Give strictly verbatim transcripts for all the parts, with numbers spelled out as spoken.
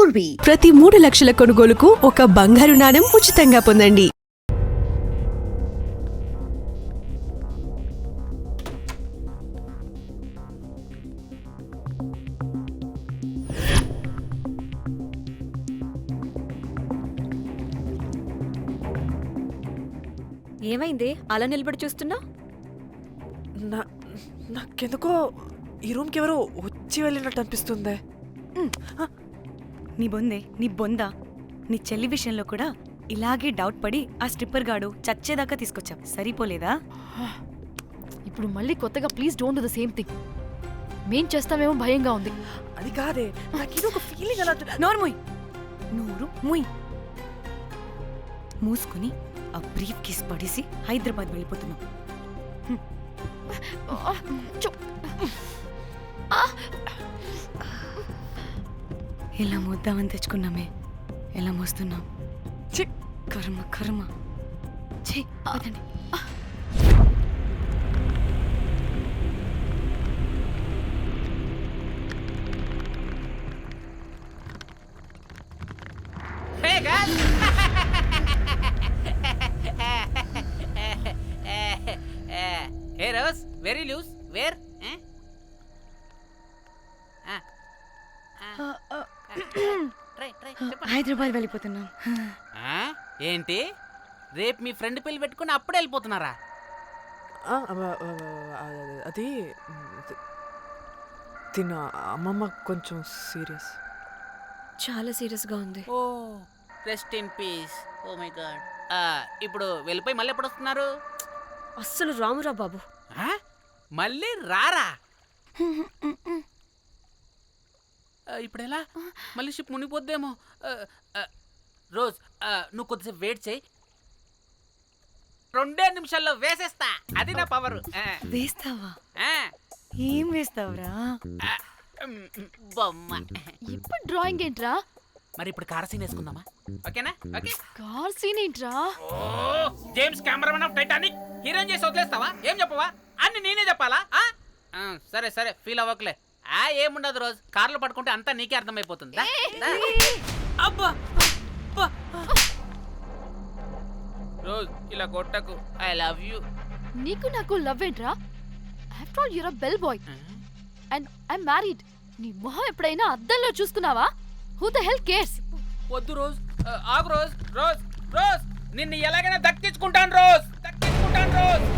పూర్వీ ప్రతి మూడు లక్షల కొనుగోలుకు ఒక బంగారు నాణెం ఉచితంగా పొందండి. ఏమైంది అలా నిలబడి చూస్తున్నా? నా నాకెందుకో ఈ రూమ్కి ఎవరో వచ్చి వెళ్ళినట్టు అనిపిస్తుంది. నీ బొందే నీ బొందా నీ చెల్లి విషయంలో కూడా ఇలాగే డౌట్ పడి ఆ స్ట్రిప్పర్ గాడు చచ్చేదాకా తీసుకొచ్చావు, సరిపోలేదా? ఇప్పుడు మళ్ళీ కొత్తగా please don't do the same thing. మేం చేస్తామేమో భయంగా ఉంది. అది కాదే, నాకేదో ఒక ఫీలింగ్ అలా. నోరు ముయ్, నోరు ముయ్. మూసుకుని ఆ బ్రీఫ్ కేస్ పడేసి హైదరాబాద్ వెళ్ళిపోతున్నాం. ఎలా మోద్దామని తెచ్చుకున్నామే, ఎలా మోస్తున్నాం. కర్మ కర్మ. ఛీ, వదండి. Hey Rose, very loose. Where? Eh? Ah. Ah. Try, try. Hyderabad వెళ్ళిపోతున్నాం. Ah? ఏంటి? రేపు మీ ఫ్రెండ్ పెళ్లి పెట్టుకుని అప్పుడే వెళ్ళిపోతున్నారా? అది తిన్న అమ్మమ్మ కొంచెం సీరియస్. చాలా సీరియస్ గా ఉంది. Oh rest in peace. Oh my God. ఇప్పుడు వెళ్ళిపోయి మళ్ళీ ఎప్పుడు వస్తున్నారు? అస్సలు రామురా బాబు. మళ్ళీ రారా? ఇప్పుడు ఎలా? మళ్ళీ షిప్ మునిగిపోద్దేమో. రోజ్, నువ్వు కొద్దిసేపు వెయిట్ చేయి, రెండే నిమిషాల్లో వేసేస్తా. అది నా పవర్. వేస్తావా? ఏం వేస్తావురా? బొమ్మ. ఇప్పుడు డ్రాయింగ్ ఏంట్రా? మరి ఇప్పుడు కార్ సీన్ వేసుకుందామా? ఓకేనా? ఓకే. కార్ సీన్ ఏంట్రా? James Cameron of Titanic heroine చేసి వదిలేస్తావా? ఏం చెప్పవా? అన్ని నేనే చెప్పాలా? సరే సరే, ఫీల్ అవ్వకలే. ఆ ఏముండదు రోజు, కార్లో పడుకుంటే అంతా నీకే అర్థమైపోతుంది. అబ్బా రోజ్, ఇలా కొట్టకు. I love you. నీకు నాకు లవ్ ఏంట్రా? After all you're a bell boy and I married. నీ మొహం ఎప్పుడైనా అద్దంలో చూసుకున్నావా? Who the hell cares? వద్దు రోజ్, ఆగు రోజ్. రోజ్ రోజ్ నిన్ను ఎలాగైనా దక్కించుకుంటాను రోజ్, దక్కించుకుంటాను రోజ్.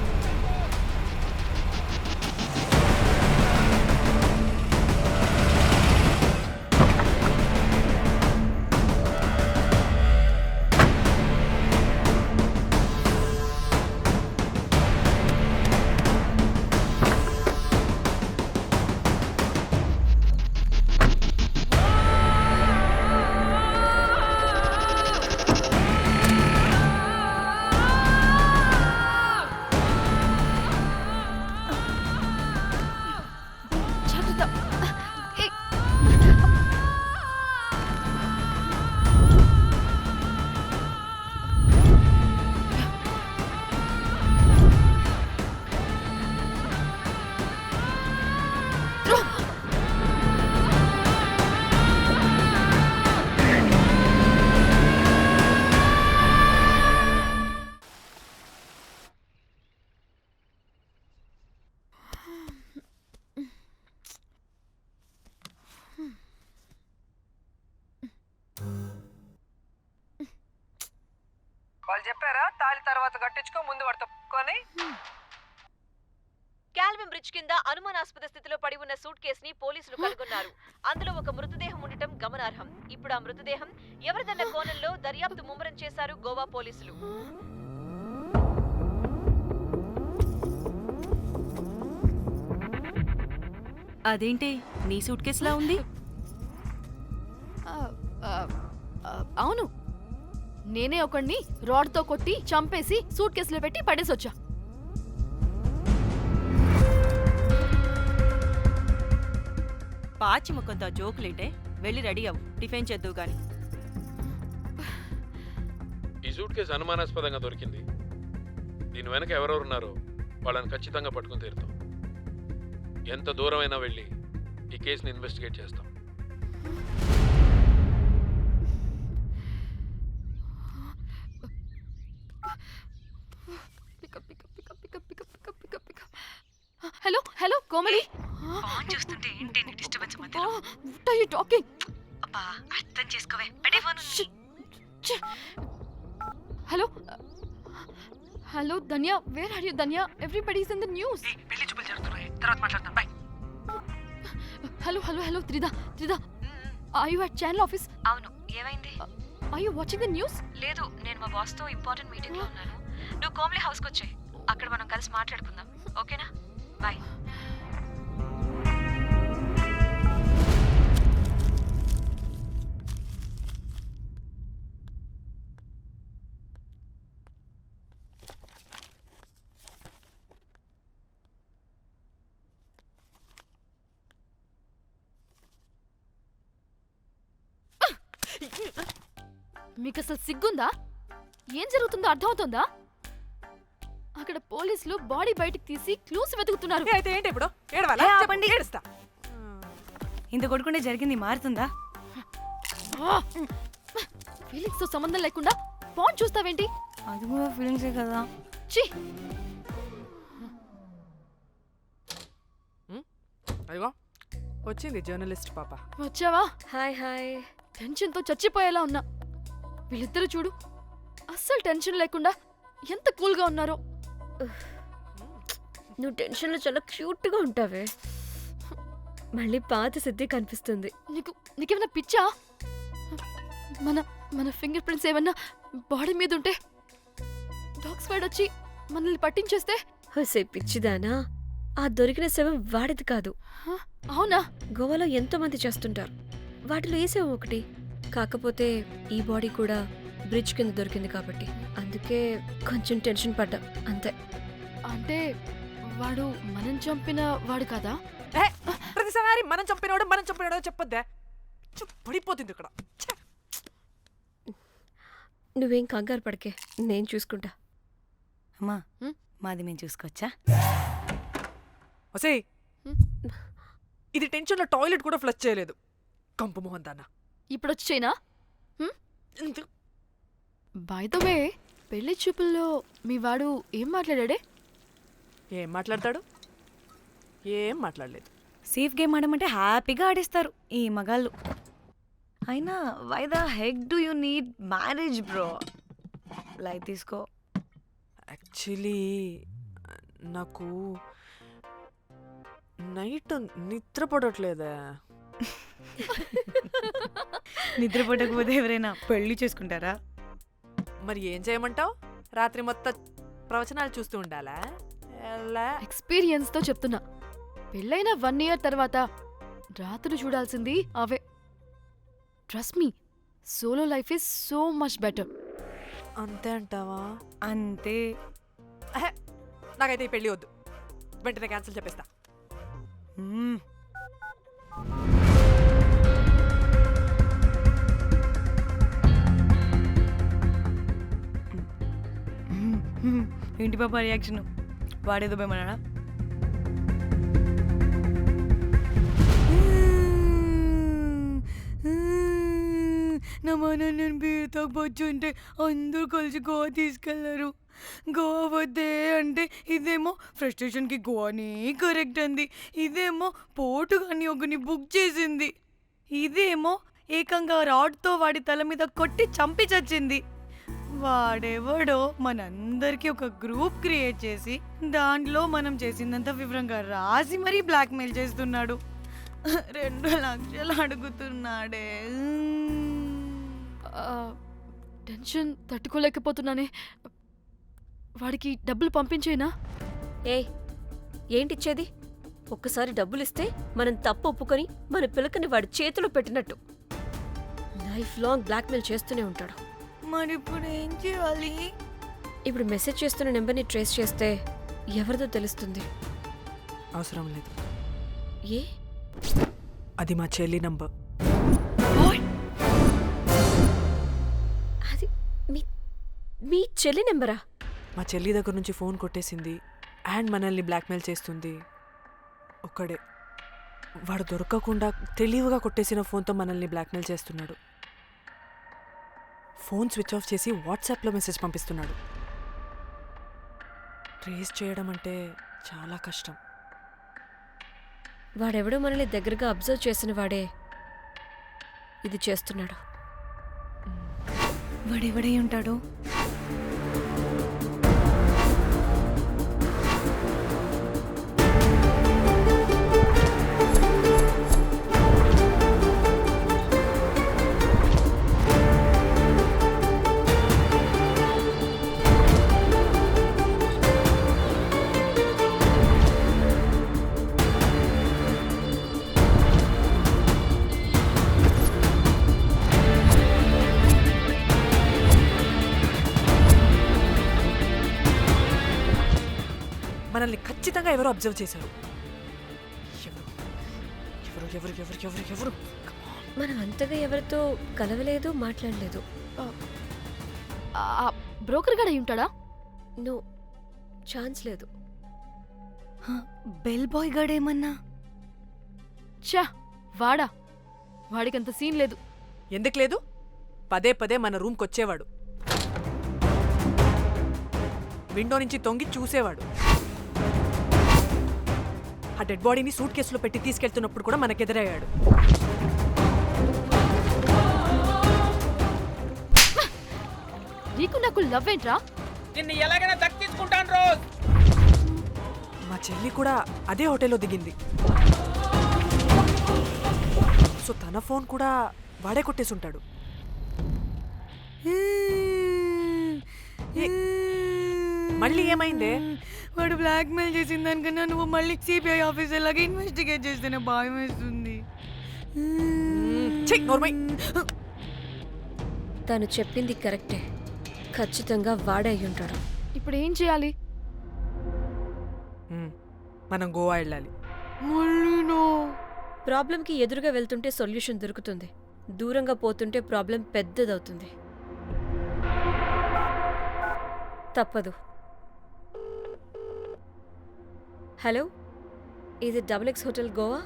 వాళ్ళు చెప్పారా తాళి తర్వాత కట్టించుకో, ముందు పడుకొని. క్యాల్విన్ బ్రిడ్జ్ కింద అనుమానాస్పద స్థితిలో పడి ఉన్న సూట్ కేసుని పోలీసులు కనుగొన్నారు. అందులో ఒక మృతదేహం ఉండటం గమనార్హం. ఇప్పుడు ఆ మృతదేహం ఎవరిదన్న కోణంలో దర్యాప్తు ముమ్మరం చేశారు గోవా పోలీసులు. అదేంటి నీ సూట్ కేసులా ఉంది? అవును, నేనే ఒకడిని రాడ్తో కొట్టి చంపేసి సూట్ కేసులో పెట్టి పడేసొచ్చా. పాచి ముఖంతో జోకులేంటే, వెళ్ళి రెడీ అవ్వు, టిఫిన్ చేద్దువు గాని. ఈ సూట్ కేసు అనుమానాస్పదంగా దొరికింది. దీని వెనక ఎవరెవరున్నారో వాళ్ళని ఖచ్చితంగా పట్టుకుని తీరుతాం. ఎంత దూరమైనా వెళ్ళి ఈ కేసుని ఇన్వెస్టిగేట్ చేస్తాం. కోమలి ఫోన్ చూస్తుంటే ఏంటి నీ డిస్టర్బెన్స్ మధ్య వాట్ ఆర్ యు టాకింగ్ అబ్బా అర్థం చేసుకోవే పెట్టే phone hello hello Dhanya where are you Dhanya everybody is in the news పెళ్లి చూపులు జరుగుతున్నాయి తర్వాత మాట్లాడతాం bye hello hello hello Tridha Tridha are you at channel office అవును ఏమైంది are you watching the news లేదు నేను మా బాస్ తో ఇంపార్టెంట్ మీటింగ్ లో ఉన్నాను నువ్వు కోమ్లీ హౌస్ కి వచ్చాయి అక్కడ మనం కలిసి మాట్లాడుకుందాం ఓకేనా బాయ్ మీకు అసలు సిగ్గుందా ఏం జరుగుతుందో అర్థమవుతుందా అక్కడ పోలీసులు బాడీ బయటికి తీసి క్లూస్ వెతుకుతున్నారు ఏ, అయితే ఏంటి ఇప్పుడు ఏడవాలా ఏ, చెప్పు, ఆపండి. ఏడుస్తా ఇంత కొడుకుంటే జరిగింది మారుతుందా ఫీలింగ్స్ తో సంబంధం లేకుండా ఫోన్ చూస్తావేంటి అది కూడా ఫీలింగ్సే కదా ఛీ అదిగో వచ్చింది జర్నలిస్ట్ పాప వచ్చావా హాయ్ హాయ్ టెన్షన్ తో చచ్చిపోయేలా ఉన్నా వీళ్ళిద్దరు చూడు అస్సలు టెన్షన్ లేకుండా ఎంత కూల్ గా ఉన్నారో నువ్వు టెన్షన్లో చాలా క్యూట్గా ఉంటావే మళ్ళీ పాత సిద్ధి కనిపిస్తుంది. నీకు నీకేమైనా పిచ్చా మన మన ఫింగర్ ప్రింట్స్ ఏమన్నా బాడీ మీద ఉంటే డాగ్ స్క్వాడ్ వచ్చి మనల్ని పట్టించేస్తే హోసే పిచ్చిదానా, ఆ దొరికిన శవం వాడిది కాదు. హ? అవునా గోవాలో ఎంతో మంది చేస్తుంటారు, వాటిలో ఏ శవం ఒకటి. కాకపోతే ఈ బాడీ కూడా బ్రిడ్జ్ కింద దొరికింది కాబట్టి అందుకే కొంచెం టెన్షన్ పడ్డా అంతే. అంటే వాడు మనం చంపిన వాడు కదా? ఏ, ప్రతిసారి మనం చంపినోడు మనం చంపినోడు చెప్పొద్దే, చు, పడిపోతుంది ఇక్కడ. ఛే. నువ్వేం కంగారు పడకే, నేను చూసుకుంటా. అమ్మా హ్మ్? మాది మేము చూసుకోవచ్చా? ఒసేయ్, హ్మ్? ఇది టెన్షన్లో టాయిలెట్ కూడా ఫ్లష్ చేయలేదు. కంపు మొహం దాన్న. ఇప్పుడు వచ్చి చైనా బై ద వే, పెళ్లి చూపుల్లో మీ వాడు ఏం మాట్లాడాడే? ఏం మాట్లాడతాడు? ఏం మాట్లాడలేదు. సేఫ్ గేమ్ ఆడమంటే హ్యాపీగా ఆడిస్తారు ఈ మగాళ్ళు. అయినా why the heck do you need marriage bro? Light తీసుకో. యాక్చువల్లీ నాకు నైట్ నిద్ర పడట్లేదా. నిద్రపోటకపోతే ఎవరైనా పెళ్లి చేసుకుంటారా? మరి ఏం చేయమంటావు? రాత్రి మొత్తం ప్రవచనాలు చూస్తూ ఉండాలా? ఎలా? ఎక్స్పీరియన్స్ తో చెప్తున్నా, పెళ్ళైన వన్ ఇయర్ తర్వాత రాత్రులు చూడాల్సింది అవే. Trust me, solo life is so much better. అంతే అంటావా? అంతే. అహే, నాకైతే ఈ పెళ్ళి వద్దు, వెంటనే క్యాన్సిల్ చెప్పేస్తా. మ్మ్. ఏంటి పాప రియాక్షన్? వాడేదో భయమన్నాడా? నా మన నేను బీర్ తాగొచ్చుంటే అందరూ కలిసి గోవా తీసుకెళ్లారు. గోవా వద్దే అంటే ఇదేమో ఫ్రస్ట్రేషన్కి గోవానే కరెక్ట్ అంది, ఇదేమో పోటు కానీ ఒకని బుక్ చేసింది, ఇదేమో ఏకంగా రాడ్తో వాడి తల మీద కొట్టి చంపి చచ్చింది. వాడెవడో మనందరికీ ఒక గ్రూప్ క్రియేట్ చేసి దాంట్లో మనం చేసిందంతా వివరంగా రాసి మరీ బ్లాక్మెయిల్ చేస్తున్నాడు. రెండు లక్షలు అడుగుతున్నాడే. టెన్షన్ తట్టుకోలేకపోతున్నానే. వాడికి డబ్బులు పంపించేనా? ఏయ్, ఏంటిచ్చేది? ఒక్కసారి డబ్బులిస్తే మనం తప్పు ఒప్పుకొని మన పిల్లకని వాడి చేతిలో పెట్టినట్టు లైఫ్ లాంగ్ బ్లాక్మెయిల్ చేస్తూనే ఉంటాడు. మరి ఇప్పుడు ఏం చేయాలి? ఇప్పుడు మెసేజ్ చేస్తున్న నెంబర్ని ట్రేస్ చేస్తే ఎవరిదో తెలుస్తుంది. అవసరం లేదు, ఏ? అది మా చెల్లి నంబర్. అది మీ మీ చెల్లి నెంబరా? మా చెల్లి దగ్గర నుంచి ఫోన్ కొట్టేసింది అండ్ మనల్ని బ్లాక్మెయిల్ చేస్తుంది. ఒక్కడే, వాడు దొరకకుండా తెలివిగా కొట్టేసిన ఫోన్తో మనల్ని బ్లాక్మెయిల్ చేస్తున్నాడు. ఫోన్ స్విచ్ ఆఫ్ చేసి వాట్సాప్లో మెసేజ్ పంపిస్తున్నాడు. ట్రేస్ చేయడం అంటే చాలా కష్టం. వాడెవడో మనల్ని దగ్గరగా అబ్జర్వ్ చేసిన వాడే ఇది చేస్తున్నాడు. వాడెవడై ఉంటాడు? మనల్ని ఖచ్చితంగా ఎవరో అబ్జర్వ్ చేశారు. ఎవరు ఎవరు ఎవరు ఎవరు ఎవరు ఎవరు మనం అంతగా ఎవరితో కలవలేదు, మాట్లాడలేదు. బ్రోకర్ గడ ఉంటాడా? నో, ఛాన్స్ లేదు. బెల్ బాయ్ గడేమన్నా? చా, వాడా? వాడికంత సీన్ లేదు. ఎందుకు లేదు? పదే పదే మన రూమ్కి వచ్చేవాడు, విండో నుంచి తొంగి చూసేవాడు. ఆ డెడ్ బాడీని సూట్ కేసులో పెట్టి తీసుకెళ్తున్నప్పుడు కూడా మనకెదురయ్యాడు. నీకు నాకు లవ్ ఏంట్రా? నిన్ను ఎలాగైనా దక్కించుకుంటాను రోజ్. మా చెల్లి కూడా అదే హోటల్లో దిగింది. సో తన ఫోన్ కూడా వాడే కొట్టేసుంటాడు. మళ్ళీ ఏమైందే? వాడు బ్లాక్ మెయిల్ చేసిన దానికన్నా నువ్వు మళ్ళీ సిబిఐ ఆఫీసర్ లాగా ఇన్వెస్టిగేట్ చేస్తేనే భయం వేస్తుంది. ఛీ, నోర్మై. తను చెప్పింది కరెక్టే. ఖచ్చితంగా వాడే అయి ఉంటాడు. ఇప్పుడు ఏం చేయాలి? మ్మ్. మనం గోవా వెళ్ళాలి. మళ్ళీనో? ప్రాబ్లంకి ఎదురుగా వెళ్తుంటే సొల్యూషన్ దొరుకుతుంది, దూరంగా పోతుంటే ప్రాబ్లం పెద్దదవుతుంది. తప్పదు. హలో, ఇది double X hotel Goa?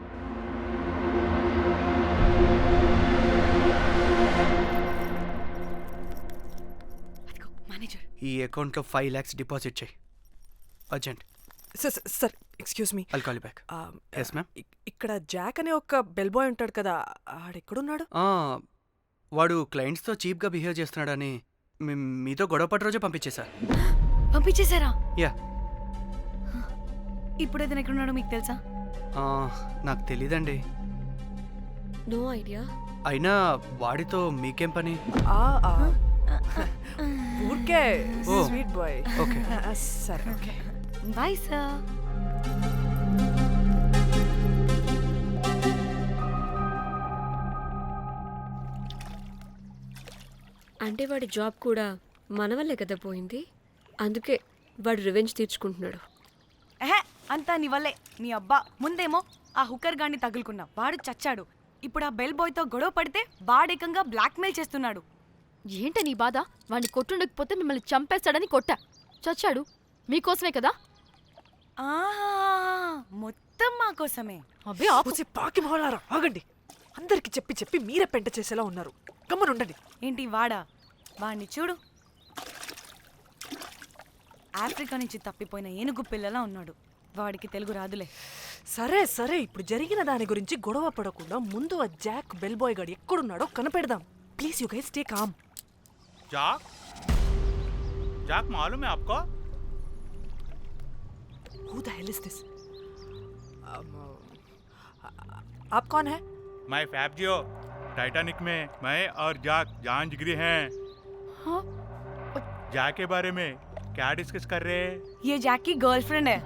Manager, ఈ అకౌంట్లో ఫైవ్ ల్యాక్స్ డిపాజిట్ చేయి, urgent. Sir sir excuse me. I'll call you back. Yes ma'am. ఇక్కడ జాక్ అనే ఒక బెల్ బాయ్ ఉంటాడు కదా, ఆడెక్కడున్నాడు? వాడు క్లయింట్స్తో చీప్గా బిహేవ్ చేస్తున్నాడని మీ- మీతో గొడవ పడి రోజే పంపించేశా. పంపించేశారా? యా. ఇప్పుడు అతను ఎక్కడున్నాడో మీకు తెలుసా? నాకు తెలీదండి. No idea. అయినా వాడితో మీకేం పని? ఆ, ఆ. ఊరికే ఓ. Sweet boy. ఓకే. సరే, ఓకే. Bye sir. అంటే వాడి జాబ్ కూడా మన వల్లే కదా పోయింది. అందుకే వాడు రివెంజ్ తీర్చుకుంటున్నాడు. ఎహే, అంతా నీ వల్లే. నీ అబ్బా ముందేమో ఆ హుకర్ గాన్ని తగులుకున్నా, వాడు చచ్చాడు. ఇప్పుడు ఆ బెల్ బాయ్తో గొడవ పడితే వాడేకంగా బ్లాక్మెయిల్ చేస్తున్నాడు. ఏంట నీ బాధ? వాడిని కొట్టుండకపోతే మిమ్మల్ని చంపేస్తాడని కొట్టా. చచ్చాడు మీకోసమే కదా. ఆహా, మొత్తం మా కోసమే. అబ్బే ఆపు. పూసి పాకి మొహలారా, ఆగండి. అందరికి చెప్పి చెప్పి మీరే పెంట చేసేలా ఉన్నారు. గమ్మనుండండి. ఏంటి వాడా? వాడిని చూడు, ఆఫ్రికా నుంచి తప్పిపోయిన ఏనుగు పిల్లలా ఉన్నాడు. వాడికి తెలుగు రాదులే. సరే సరే, ఇప్పుడు జరిగిన దాని గురించి గొడవ పడకుండా ముందు ఆ జాక్ బెల్ బాయ్ గాడు ఎక్కడున్నాడో కనిపెడదాం. Please you guys stay calm. Jack Jack मालूम है आपको? Who the hell is this? um, आप कौन है? मैं फैब्जियो। टाइटैनिक में मैं और जाक जान जिगरी हैं। हाँ? जाक के बारे में क्या डिस्कस कर रहे हैं? ये जैक की गर्लफ्रेंड है.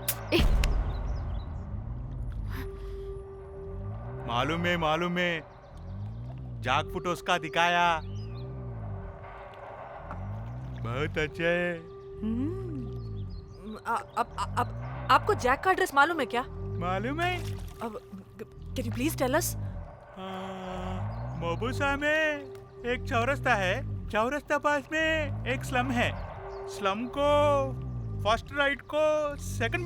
मालूम है मालूम है, जाक फोटोस का दिखाया, बहुत अच्छे है। आ, आप, आप, आपको जैक का एड्रेस मालूम है क्या? मालूम है? अब can you please tell us? मोबुसा में एक चौरस्ता है, चौरस्ता पास में एक स्लम है, स्लम को फर्स्ट राइट को सेकंड